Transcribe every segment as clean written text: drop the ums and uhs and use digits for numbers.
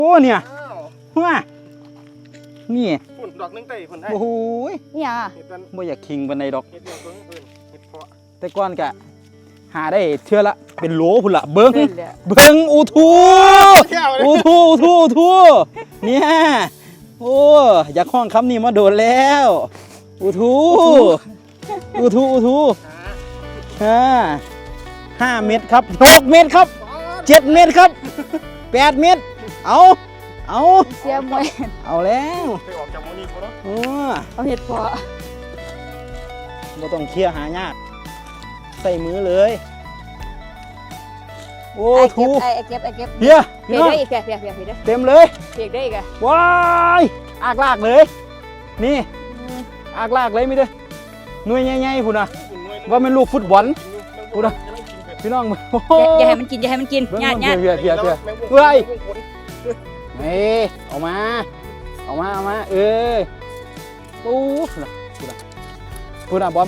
โอ้เนี่ยว้านี่ฝุ่นดอกนึงเตะฝุ่นให้โอ้โหเนี่ยบ่อยากคิงบันไดดอกเห็ดเดียวตัวนี้เห็ดเพาะแต่ก่อนกะหาได้เชื่อละเป็นโหลพุ่นละเบิ้งเลยเบิ้งอูทูเนี่ยโอ้อยากห้องคำนี้มาโดนแล้วอูทู5 เมตรครับ6 เมตรครับ7 เมตรครับ8 เมตรเอาเสียมวยเอาแล้วไปออกจากโมนี่เขาเนาะโอ้เอาเห็ดเพาะบ่ต้องเคลียร์หายากใส่มือเลยโอ้ทูไอ้เก็บเฮียเพียได้อีกเพียได้เต็มเลยเพียได้อีกอะว้ายอากลากเลยนี่อากลากเลยมิเด้อหน่วยใหญ่ๆพุ่นน่ะว่าเป็นลูกฟุตบอลพุ่นน่ะพี่น้องอย่าให้มันกินญาติเพียเฮ้ยนี่เอามาเอ้ยโอ้พุ่นน่ะบอม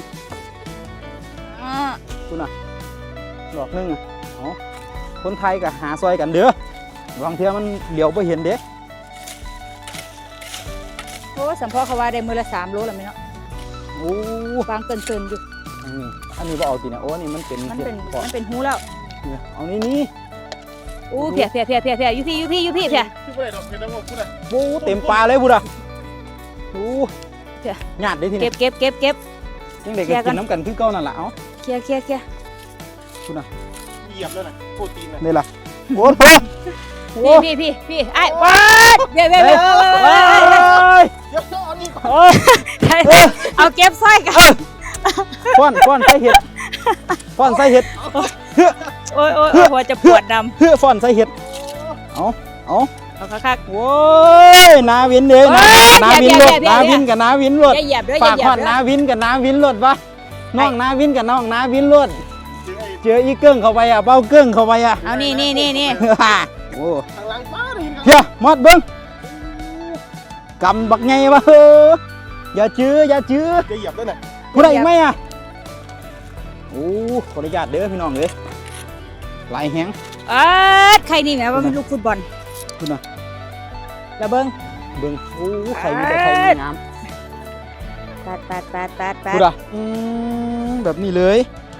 พุ่นน่ะดอกนึงอ่ะเอาคนไทยก็หาซอยกันเด้อบางเทื่อมันเหลียวไปเห็นเด้โอ้สัมพ่อเขาว่าได้มือละ3 โลแล้วไหมเนาะโอ้วางเกินอยู่อันนี้บ่เอาสินะโอ้นี่มันเป็นมันเป็นหูแล้วเอานี่อู้เพียอยู่พี่เพียที่ไม่ได้ดอกเห็ดแล้วพูดเลยโอ้เต็มปลาเลยบุดอ่ะโอ้หยาดได้ทีนี้เก็บยังเด็กกินน้ำกันคือเก่านั่นแหละเอ้าเคลียร์คุณน่ะเหยียบเลยนะโปรตีนนะนี่ล่ะโอ้โหพี่ไอ้ว้าเดี๋ยวเดี๋ยวเอานี่ก่อนเอาเก็บสร้อยกันป้อนใส่เห็ดโอ้ยหัวจะปวดดำฟ้อนใส่เห็ดเอาคักโว้ยนาวินเด้นาวินรถนาวินกับนาวินรถอย่าเหยียบด้วยฝากผ่อนนาวินกับนาวินรถวะน้องนาวินกับน้องนาวินรถเจออีเกิ้งเข้าไปอ่ะเบ้าเกิ้งเข้าไปอ่ะเอานี่โอ้ทางหลังป้าเลยเฮียมอดเบิ้งกำบักไงวะอย่าจื้อจะเหยียบด้วยนะผู้ใดอีกไหมอ่ะโอ้ขออนุญาตเด้อพี่น้องเลยลายแห้งใครนี่แหมว่าเป็นลูกฟุตบอลคุณน่ะระเบิงเบิ้งโอ้ไข่มีแต่ไข่งามตัดคุณอ่ะแบบนี้เลย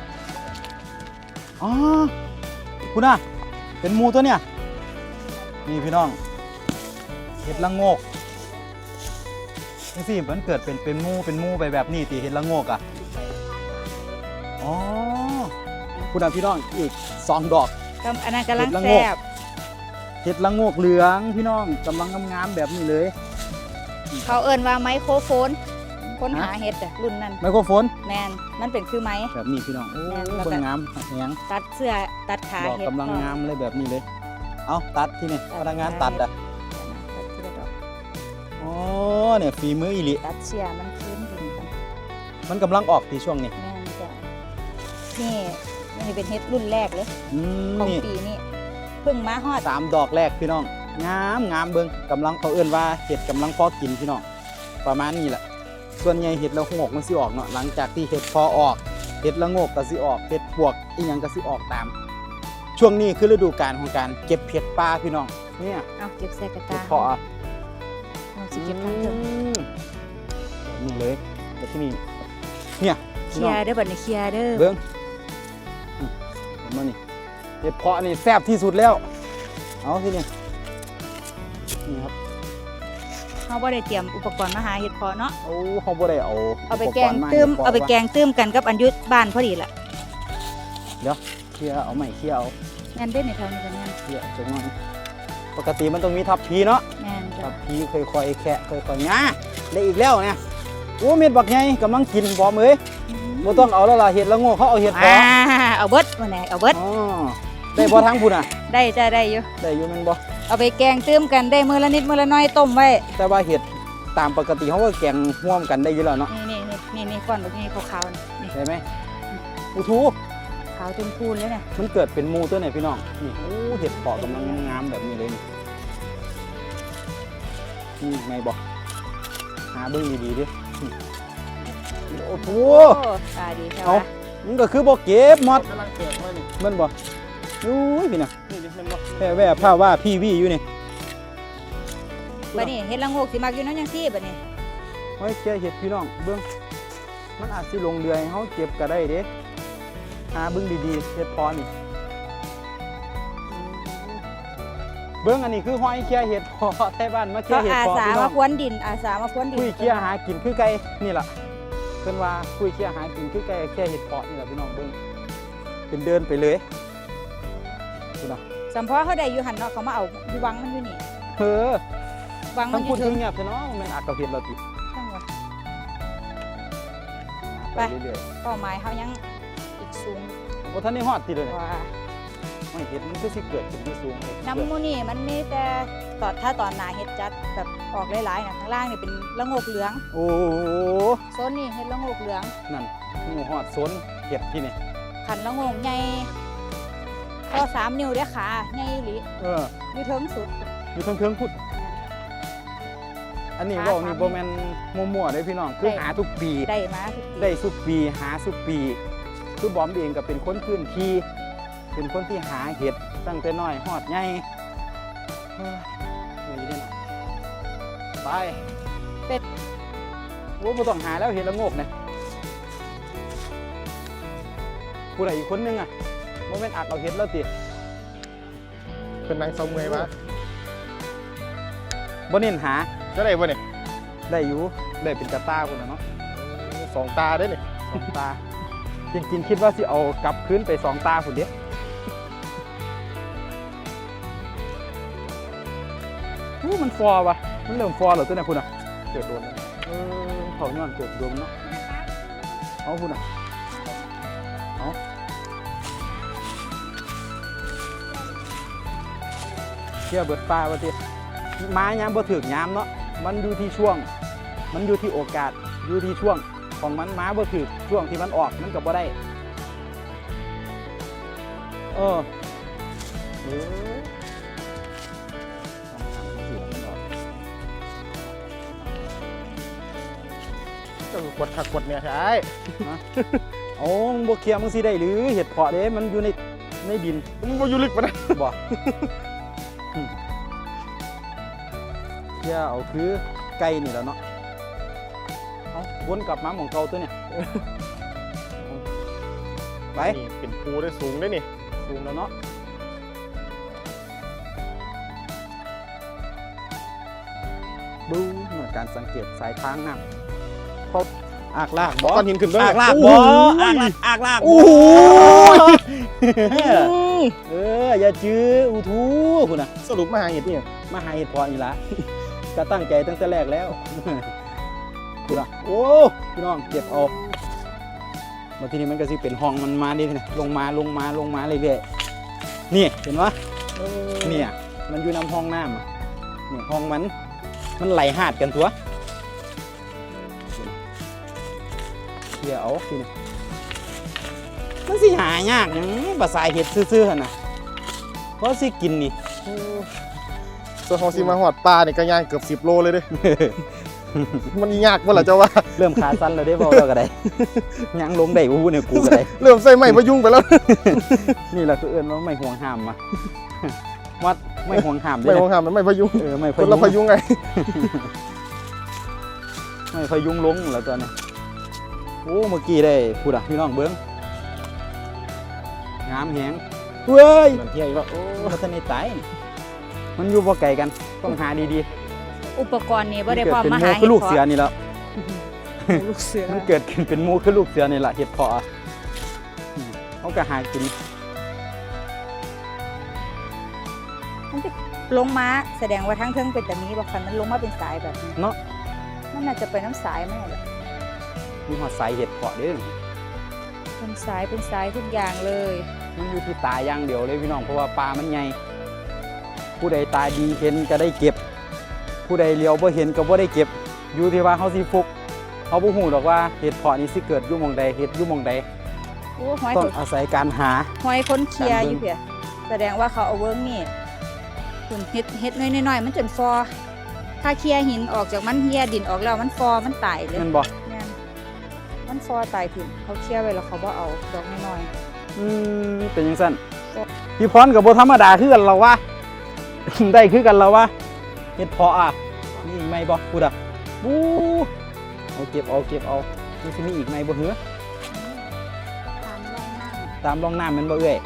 อ๋อคุณอ่ะเป็นหมูตัวเนี่ยนี่พี่น้องเห็ดละโงกนี่สิมันเกิดเป็นหมูไปแบบนี้ตีเห็ดละโงกอ่ะอ๋อคุณอ่ะพี่น้องอีก2 ดอกอันนั้นกำลังแซ่บเห็ดละโงกเหลืองพี่น้องกำลังงามๆแบบนี้เลยเขาเอิ้นว่าไมโครโฟนค้นหาเห็ดรุ่นนั้นไมโครโฟนแมนมันเป็นคือไม้แบบนี้พี่น้องโอ้เบิ่งงามแหงตัดเสื้อตัดขาดอกเห็ดกำลังงามเลยแบบนี้เลยเอาตัดที่นี่พนักงานตัดอ่ะอ๋อเนี่ยฝีมืออีหลิตัดเสื้อมันขึ้นดินกันมันกำลังออกที่ช่วงนี้แม่นจ้ะนี่เป็นเห็ดรุ่นแรกเลยของนี่ปีนี้เพิ่งมาฮอด 3 ดอกแรกพี่น้องงามเบิ่งกำลังเขาเอื้นว่าเห็ดกำลังพอกินพี่น้องประมาณนี้แหละส่วนใหญ่เห็ดละโงกมันสิออกเนาะหลังจากที่เห็ดพอออกเห็ดละโงกก็สิออกเห็ดปวกอีหยังก็สิออกตาม ช่วงนี้คือฤดูกาลของการเก็บเห็ดป่าพี่น้องเนี่ยเอาเก็บใส่กระเห็ตาดเพาะเอาสิเก็บทั้งเถอะแบบนี้เลยแต่ที่นี่เนี่ยเคลียร์เด้อบัดนี้เคลียร์เด้อเบิ้งเห็นมั้ยนี่เห็ดเพาะนี่แซ่บที่สุดแล้วเอาที่นี่นี่ครับเขาบ่ได้เตรียมอุปกรณ์มาหาเห็ดเพาะเนาะโอ้เขาบ่ได้เอาเอาไปแกงตื้มกันกับอันยุทธบ้านพอดีละเดี๋ยวเคลียร์เอาใหม่เคลียร์เอาแม่นเด้ในแถวนี้กันแม่นเคลียร์จังหวะปกติมันต้องมีทับพีเนาะแม่นทัจ้ะบพีค่อยๆแคะค่อยๆง่าได้อีกแล้วเนี่ยโอ้เม็ดบักไงกำลังกินพร้อมเอ้ยบ่ต้องเอาแล้วล่ะเห็ดละโงกเขาเอาเห็ดเพาะเอาเบิดวันไหนเอาเบิดอ๋อได้บ่ทั้งพุ่นอ่ะได้จ้ะได้อยู่ได้อยู่แม่นบ่เอาไปแกงตื้มกันได้มื้อละนิดมื้อละน้อยต้มไว้แต่ว่าเห็ดตามปกติเขาก็แกงร่วมกันได้อยู่แล้วเนาะนี่ก้อนแบบนี้ขาวๆนี่ใช่ไหมอูทูขาวจนพูนเลยเนี่ยมันเกิดเป็นหมูตัวไหนพี่น้องนี่โอ้เห็ดเพาะกำลังงามแบบนี้เลยนี่ไงบอกหาเบิ้งดีๆดิโอ้โหตาดีใช่ไหมเอามันก็คือบอกเก็บหมดกำลังเกิดมานี่มันบอกอุ้ยพี่น่ะนี่ดิมันบอกแค่แว่ผ้าว่าพี่วี่อยู่นี่บัดนี้เฮ็ดละโงกสิมักอยู่น้ำจังซี่บัดนี้หอยเคี้ยเห็ดพี่น้องเบิ่งมันอาจสิลงเรือให้เฮาเก็บก็ได้เด้หาเบิ่งดีๆเห็ดเพาะนี่เบิ่งอันนี้คือหอยเคี้ยเห็ดเพาะไทบ้านมาเคี้ยเขาเห็ดอาเพาะสาพี่น้อมาง พรวนดินอาสามาพรวนดินคุยเคี้ยหากินคือไก่นี่ล่ะเพิ่นว่าคุยเคี้ยหากินคือไก่แค่เห็ดเพาะนี่ล่ะพี่น้องเบิ่งเป็นเดินไปเลยพี่น้องสัมพอเขาได้อยู่หั่นเนาะเขามาเอาอยู่วังมันอยู่นี่เฮ้อวังมัทั้นงอพูยู่ดถึงเงียบๆซะเนาะมันอาจกับเห็ดเราติจังหวะไปไปเรื่อยเป้าหมายเขายังอีกสูงๆบ่ทันได้ฮอดติเลยกเนี่ยว่าไม่เห็ดมันคือสิเกิดขึ้นที่สูงเลยน้ำมูนี่มันมีแต่ถ้าตอนหนาเห็ดจัดแบบออกหลายๆนะข้างล่างนี่เป็นละโงกเหลืองโอ้โซนนี่เห็ดละโงกเหลืองนั่นงูฮอดสนเห็ดที่นี่ขันละโงกใหญ่ก็3 นิ้วเด้อขาใหญ่อีหลี อยู่เทิงสุดอยู่เทิงๆพุดอันนี้ขาเว่าสามนี่บ่แม่นมั่วๆเด้อพี่น้องคือได้หาทุกปีได้มาทุกปีได้สุกปีหาสุกปีคือบอมเองก็เป็นคนพื้นที่เป็นคนที่หาเห็ดตั้งแต่น้อยฮอดใหญ่เฮ้ยเหนื่อยเด้อเนาะไปเป็ดโอ้บ่ต้องหาแล้วเห็ดละโงกเนี่ยผู้ใดอีกคนนึงอ่ะบ่แม่นอัดเอาเห็ดแล้วติเป็นนางเสาเมยมาบ่เน้นหาจะได้บ่เนี่ยได้อยู่ได้เป็นกระต้าคนน่ะเนาะ 2 ตาได้เนี่ยสองตา จริงๆคิดว่าสิเอากลับคืนไป2 ตาพุ่นเด้มันฟอวะมันเริ่มฟอแล้วตัวเนี่ยพุ่นน่ะเกิดโดนแล้วเขาย้อนเกิดโดมเนาะเอาพุ่นน่ะเอาเชื่อเบิดปลาว่าติไม้ยามบ่ถึกยามเนาะมันอยู่ที่ช่วง มันอยู่ที่โอกาสอยู่ที่ช่วงของมันม้าบ่ถึกช่วงที่มันออกมันก็บ่ได้เออก็คือกดขักกดเนี่ยใช่โอ้มึงบ่เคลียร์มึงสิได้หรือเห็ดเพาะเด้มันอยู่ในดินมันบ่อยู่ลึกปะนะบ่เคลียร์เอาคือไก่นี่แหล้วเนาะเอาวนกลับมาหม่องเก่าตัวเนี่ยไปนี่เป็นภูได้สูงได้นี่สูงแล้วเนาะดูเหมือนการสังเกตสายทางน้ำเขาอากลากบ่ก้อนหินขึ้นด้วยอากลากบ่อากลากโอ้โหอย่าจื้ออูทูคุณน่ะสรุปมาหาเห็ดนี่มาหาเห็ดเพาะนี่ละก็ตั้งใจตั้งแต่แรกแล้วคุณน่ะโอ้พี่น้องเก็บเอามาทีนี้มันก็สิเป็นห้องมันมาดิเนี่ยลงมาเรื่อยๆนี่เห็นปะเนี่ยมันอยู่น้ำห้องน้ำอะเนี่ยห้องมันไหลหาดกันตัวเกี่ยวเอาทีนี้มันสิหายากหยังภาษาเห็ดซื่อๆหั่นน่ะเพราะสิกินนี่ส่วนของซีมาหอดปลาเนี่ยก็ย่างเกือบ10 โลเลยเด้ มันยากบ่ล่ะเจ้าว่าเริ่มขาสั้นแล้วได้บ่แล้วก็ได้ยังลงได้อู้เนี่ยกูก็ได้เริ่มใส่ไม้พยุงไปแล้วนี่แหละคือเอิ้นว่าไม่ห่วงห้ามมาวัดไม่ห่วงห้ามไม่ของหามมันไม่พยุงไม่คนละพยุงไงไม่พยุงลงแล้วตอนนี้โอ้เมื่อกี้ได้พูดอ่ะพี่น้องเบิ้งงามแหงเว้ยมันเที่ยอีกแล้วโอ้พัฒนาตายมันอยู่บ่ไกลกันต้องหาดีอุปกรณ์นี่ๆบ่ได้พร้อมเป็นมาหมูหาคือลูกเสือนี่แล้วลูกเสือมันเกิดขึ้นเป็นหมูคือลูกเสือนี่แหละเห็ดเพาะอะเขาก็หากินลงมาแสดงว่าทั้งเทิงเป็นแต่มีบ่คันมันลงมาเป็นสายแบบนี้เนาะมันน่าจะเป็นน้ำสายมั้งแหละมีหอดสายเห็ดเพาะเด้อเป็นสายทุกอย่างเลยมันอยู่ที่ตาอย่างเดียวเลยพี่น้องเพราะว่าปลามันใหญ่ผู้ใดตาดีเห็นก็ได้เก็บ ผู้ใดเลี้ยวบ่เห็นก็บ่ได้เก็บ อยู่ที่ว่าเขาสิฟุกเขาบ่ฮู้หรอกว่าเห็ดเพาะนี่สิเกิดอยู่หม่องใดเห็ดอยู่หม่องใดโอ้หอยต้องอาศัยการหาคนเคลียร์อยู่เพียแสดงว่าเขาเอาเวิร์กนี่คุณเฮ็ดน้อยๆมันจนฟอถ้าเคลียร์หินออกจากมันเฮียดินออกแล้วมันฟอมันตายเลยแม่นบ่แม่นมันฟอตายถิ่นเขาเคลียร์ไว้แล้วเขาบ่เอาดอกน้อยเป็นจังซั่นพี่พรก็บ่ธรรมดาคือกันเราวะ ได้คือกันเราวะเห็ดเพาะอ่ะๆมีอีกไหมบ่พูดอ่ะบูเอาเก็บเอามันสิมีอีกไหมบ่เหรอตามร่องน้ตามร่องน้ำมันบ่เอ้ย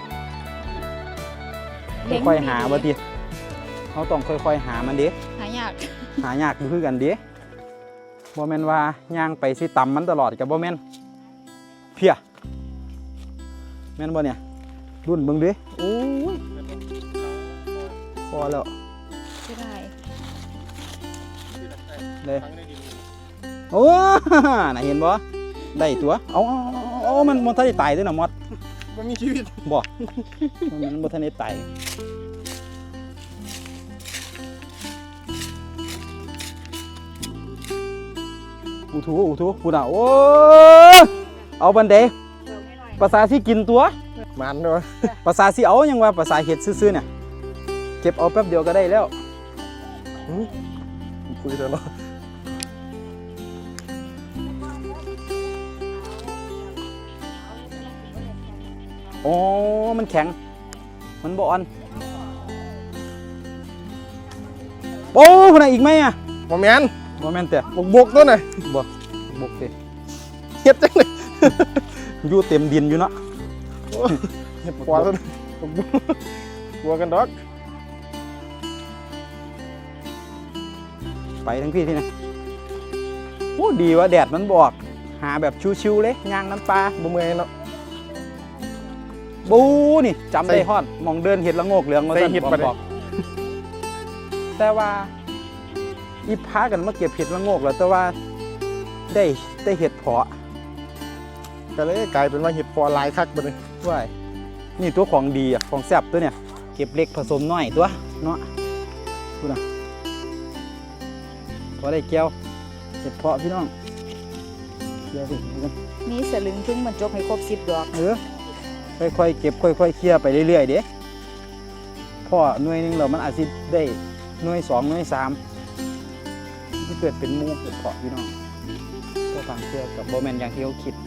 ำค่อยๆหาบ่ติเขาต้องค่อยๆหามันเด้หายากหายากอยู่คือกันเด้บ่แม่นว่าย่างไปสิต่ำมันตลอดกับบ่แม่นเพียแม่นบ่เนี่ยรุ่นเบิ่งเด้โอ้ยพอแล้วไม่ได้เลย โอ้น่ะเห็นบ่ได้ตัวเอามันทันได้ตายด้วยน่ะมอดมันมีชีวิตบ่มันบ่ทันได้ตายอูทูพูดอ่ะโอ้เอาบันไดภาษาสิกินตัวมันเนาะภาษาสิเอายังว่าภาษาเฮ็ดซื่อๆเนี่ยเก็บเอาแป๊บเดียวก็ได้แล้วคุยเถอะเนาะโอ้มันแข็งมันบ่อ่อนโอ้คนไหนอีกไหมอ่ะบ่แม่นบ่แม่นแต่บกตัวน่ะบ่บกเด้เฮ็ดจังเลยอยู่เต็มดินอยู่เนาะเฮ็ดกว่าตัวกลัวกันดอกไปทั้งพี่ที่นะโอ้ดีว่าแดดมันบอกหาแบบชิวๆเลยย่างน้ำปลาบ่เมื่อยเนาะบูนี่จำได้ฮอดมองเดินเห็ดละโงกเหลืองมาใส่สั่นเห็ดบปะเนี่ยอกแต่ว่าอีพากันมาเก็บเห็ดละโงกแล้วแต่ว่าได้เห็ดเพาะก็เลยกลายเป็นว่าเห็ดพอหลายคักบัดนี้ด้วยนี่ตัวของดีอ่ะของแซ่บตัวเนี่ยเก็บเล็กผสมน้อยตัวเนาะดูนะพอได้แก้วเห็ดเพาะพี่น้องเดี๋ยวพี่กันนี่สลึงถึงมันจบให้ครบ10 ดอกค่อยๆเก็บค่อยๆเคลียร์ไปเรื่อยๆเด้พ่อหน่วยหนึงเรามันอาจจะได้หน่วย2หน่วย3ที่เกิดเป็นหมูเห็ดเพาะพี่น้องก็ฟังเชื่อกับโบแมนอย่างที่เขาคิด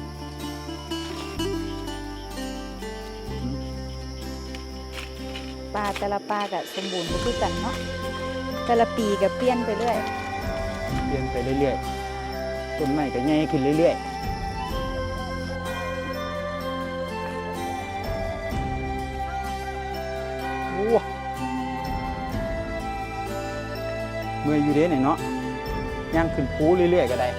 ปลาแต่ละปลาก็สมบูรณ์บ่คือกันเนาะแต่ละปีก็เปลี่ยนไปเรื่อยเปลี่ยนไปเรื่อยๆต้นไม้ก็ใหญ่ขึ้นเรื่อยๆโอ้เมื่อยอยู่เด้เนี่ยเนาะย่างขึ้นภูเรื่อยๆก็ได้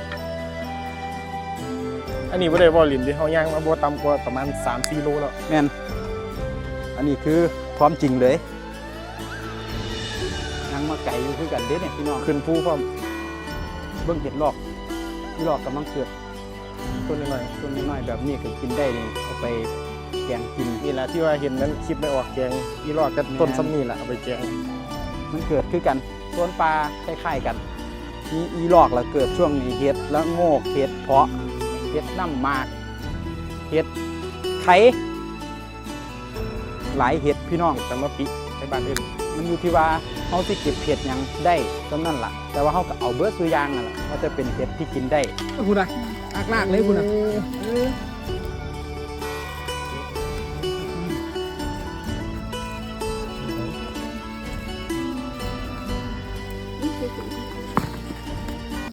อันนี้บ่ได้บ่ลินที่เฮาย่างมาบ่ต่ำกว่าประมาณ 3-4 โลแล้วแม่นอันนี้คือความจริงเลยย่างมาไก่อยู่คือกันเด้เนี่ยพี่น้องขึ้นภูพร้อมเบิ่งเห็ดลอกที่ลอกกำลังเกิดต้นน้อยต้นน้อยๆแบบนี้ก็กินได้นี่เอาไปแกงกินๆนี่แหละที่ว่าเห็นนั้นคลิปไม่ออกแกงอีรอดกับต้นซ้ำนี่แหละเอาไปแกงมันเกิดคือกันต้นปลาคล้ายๆกันมีอีลอกแล้วเกิดช่วงนี้เห็ดแล้วโงกเห็ดเพาะเห็ดน้ำหมากเห็ดไข่หลายเห็ดพี่น้องแต่มาปิในบ้านอื่นมันอยู่ที่ว่าเขาสิเก็บเห็ดหยังได้ตรงนั้นล่ะ แต่ว่าเขาก็เอาเบิร์ดสุอยางนั่นแหละว่าจะเป็นเห็ดที่กินได้คุณอะลากเลยคุณอะ